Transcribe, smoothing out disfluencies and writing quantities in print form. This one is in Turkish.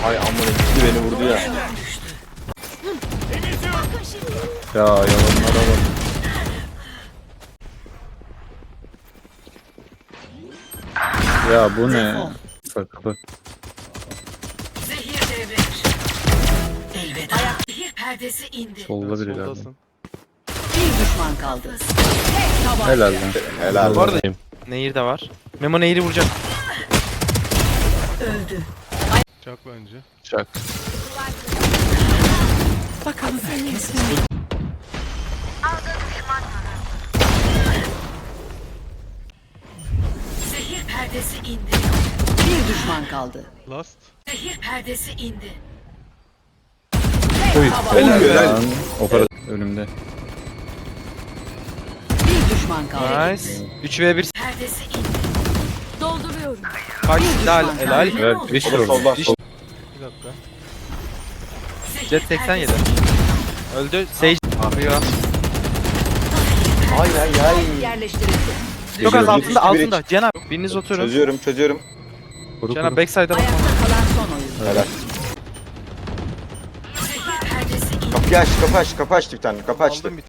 Ay amına gitti beni vurdu ya. Ya yalanlara bak. Ya bu ne? Bak kapı. Zehir devredir. Elveda. Zehir perdesi indi. Solda biri galiba. Soldasın. Bir düşman kaldı. Tek tabanca. Helal lan. Helal. Bu arada Nehir de var. Memo Nehir'i vuracak. Öldü. Çak bence. Çak. Bakalım herkes. Zehir perdesi indi. Bir düşman kaldı. Last. Zehir perdesi indi. Oy, Helal, helal helal. lan. Operatör önümde. Bir düşman kaldı. Nice. 3v1 Perdesi indi. Dolduruyorum. kaç helal helal. Evet, diş Solda vurdu. solda. Diş- Sol. Bir dakika. Zehir Jet 87. perdesi indi. Öldü. Sage. Yapıyor. Ay ay ay. Yerleştirildi. Çok az Geliyor. altında Biri- altında. Cenab. Biriniz oturun. Çözüyorum. Kuru Cenab kuru. backside'a bakma. Ayakta kalan son oyun. Helal. Zehir perdesi indi. Kapı açtı bir tane. Kapı açtı. Aldım bir